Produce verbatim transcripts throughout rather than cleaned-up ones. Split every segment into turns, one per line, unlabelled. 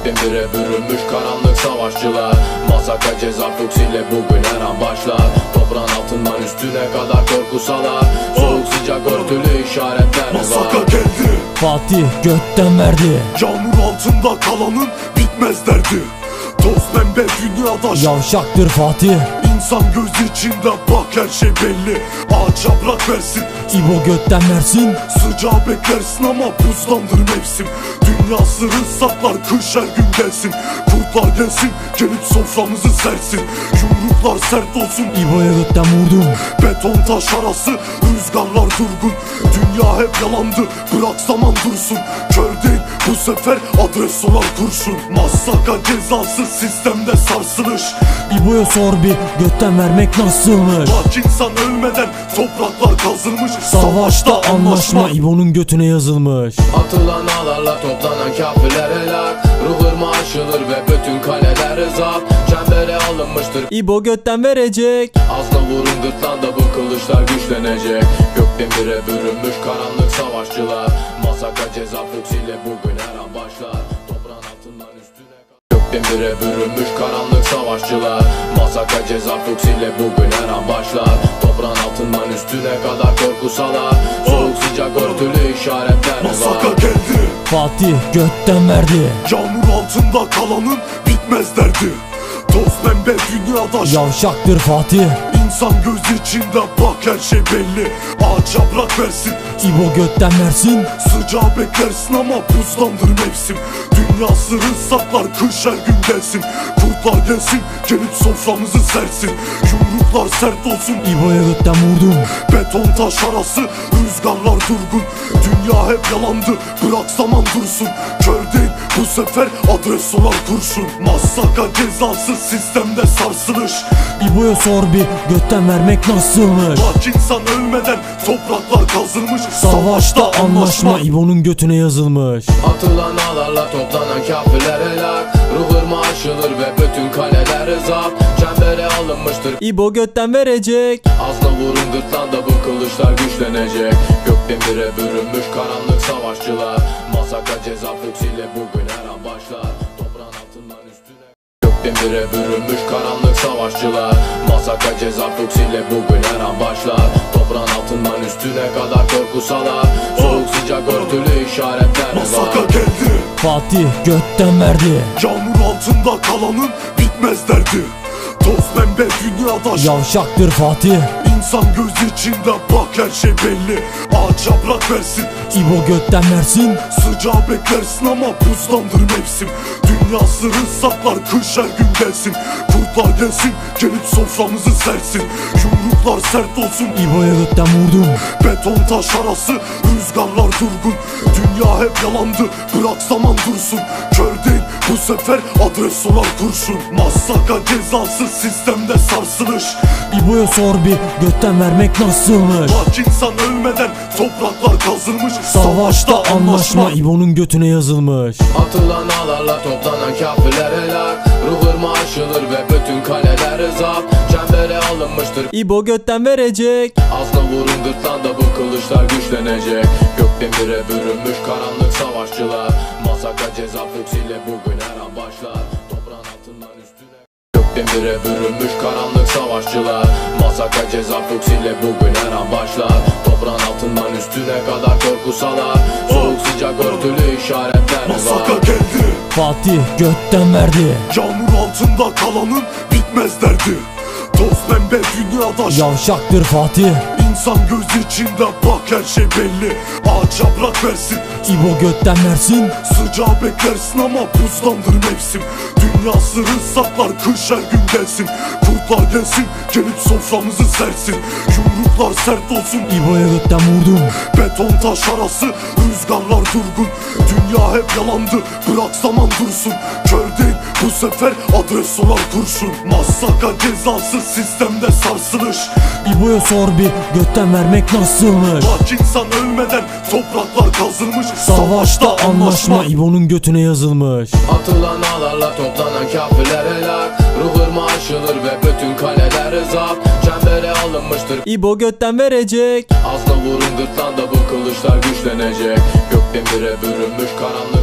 Gökdemire bürünmüş karanlık savaşçılar. Masaka ceza fuksiyle bugün her an başlar. Toprağın altından üstüne kadar korku salar. Soğuk sıcak örtülü işaretler var.
Masaka geldi,
Fatih götten verdi.
yağmur altında kalanın bitmez derdi. Toz pembe dünyada
Yavşaktır Fatih.
İnsan gözü içinde bak her şey belli. Ağaç yaprak versin,
İbo götten versin.
sıcağı beklersin ama buzlandır mevsim. Dünya sırrı saklar, kış her gün gelsin. Kurtlar gelsin, gelip soframızı sersin. Yumruklar sert olsun,
İbo'ya götten vurdum.
beton taş arası, rüzgarlar durgun. Dünya hep yalandı, bırak zaman dursun. Kör değil bu sefer, adres sorar kurşun. Masaka cezası sistemde sarsılış.
İbo'ya sor bir, götten vermek nasılmış?
Bak insan ölmeden topraklar kazılmış.
Savaşta anlaşma İbo'nun götüne yazılmış.
Atılan ağlarla toplanan kafirler helak. Ruh ırmağı aşılır ve bütün kaleler zapt. Çembere alınmıştır,
İbo götten verecek.
asla vurun gırtlağında bu kılıçlar güçlenecek. Gökdemire bürünmüş karanlık savaşçılar. Masaka ceza fuksiyle bugün her an başlar. Toprağın altından üstüne Gökdemire bürünmüş karanlık savaşçılar. Masaka ceza fuksiyle bugün her an başlar. Toprağın altından üstüne kadar korku salar. Soğuk sıcak örtülü işaretler var.
Masaka geldi,
Fatih götten verdi.
yağmur altında kalanın bitmez derdi. Toz pembe dünyada
Yavşaktır Fatih.
İnsan gözü içinde bak her şey belli. Ağaç yaprak versin,
İbo götten versin.
sıcağı beklersin ama buzlandır mevsim. Dünya sırrı saklar, kış her gün gelsin. Kurtlar gelsin, gelip soframızı sersin. Yumruklar sert olsun,
İbo'ya götten vurdum.
beton taş arası, rüzgarlar durgun. Dünya hep yalandı, bırak zaman dursun. Kör değil bu sefer, adres sorar kurşun. Masaka cezası sistemde sarsılış.
İbo'ya sor bir, götten vermek nasılmış?
Bak insan ölmeden topraklar kazılmış.
Savaşta anlaşma İbo'nun götüne yazılmış.
Atılan ağlarla toplanan kafirler helak. Ruh ırmağı aşılır ve bütün kaleler zapt. Çembere alınmıştır,
İbo götten verecek.
asla vurun gırtlağında bu kılıçlar güçlenecek. Gökdemire bürünmüş karanlık savaşçılar. Masaka ceza fuksiyle bugün her an başlar. Toprağın altından üstüne Gökdemire bürünmüş karanlık savaşçılar. Masaka ceza fuksiyle bugün her an başlar. Toprağın altından üstüne kadar korku salar. Soğuk sıcak örtülü işaretler
Masaka
var.
geldi,
Fatih götten verdi.
yağmur altında kalanın bitmez derdi. Toz pembe dünyada
Yavşaktır Fatih.
İnsan gözü içinde bak her şey belli. Ağaç yaprak versin,
İbo götten versin.
sıcağı beklersin ama buzlandır mevsim. Dünya sırrı saklar, kış her gün gelsin. Kurtlar gelsin, gelip soframızı sersin. Yumruklar sert olsun,
İbo'ya götten vurdum.
beton taş arası, rüzgarlar durgun. Dünya hep yalandı, bırak zaman dursun. Kör değil bu sefer, adres sorar kurşun. Masaka cezası sistemde sarsılış.
İbo'ya sor bir, götten vermek nasılmış?
Bak insan ölmeden topraklar kazılmış.
Savaşta anlaşma İbo'nun götüne yazılmış.
Atılan ağlarla toplanan kafirler helak. Ruh ırmağı aşılır ve bütün kaleler zapt. Çembere alınmıştır,
İbo götten verecek.
asla vurun gırtlağında bu kılıçlar güçlenecek. Gökdemire bürünmüş karanlık savaşçılar. Masaka ceza fuksiyle bugün her an başlar. Toprağın altından üstüne Gökdemire bürünmüş karanlık savaşçılar. Masaka ceza fuksiyle bugün her an başlar. Toprağın altından üstüne kadar korku salar. Soğuk sıcak örtülü işaretler
Masaka
var.
geldi,
Fatih götten verdi.
yağmur altında kalanın bitmez derdi. Toz pembe dünyada
Yavşaktır Fatih.
İnsan gözü içinde bak her şey belli. Ağaç yaprak versin,
İbo götten versin.
sıcağı beklersin ama buzlandır mevsim. Dünya sırrı saklar, kış her gün gelsin. Kurtlar gelsin, gelip soframızı sersin. Yumruklar sert olsun,
İbo'ya götten vurdum.
beton taş arası, rüzgarlar durgun. Dünya hep yalandı, bırak zaman dursun. Kör değil bu sefer, adres sorar kurşun. Masaka cezası sistemde sarsılış.
İbo'ya sor bir, götten vermek nasılmış?
Bak insan ölmeden topraklar kazılmış.
Savaşta anlaşma İbo'nun götüne yazılmış.
Atılan ağlarla toplanan kafirler helak. Ruh ırmağı aşılır ve bütün kaleler zapt. Çembere alınmıştır,
İbo götten verecek.
asla vurun gırtlağında bu kılıçlar güçlenecek. Gökdemire bürünmüş karanlık savaş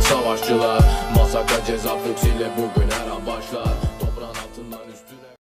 savaşçılar. Masaka ceza fuksiyle bugün her an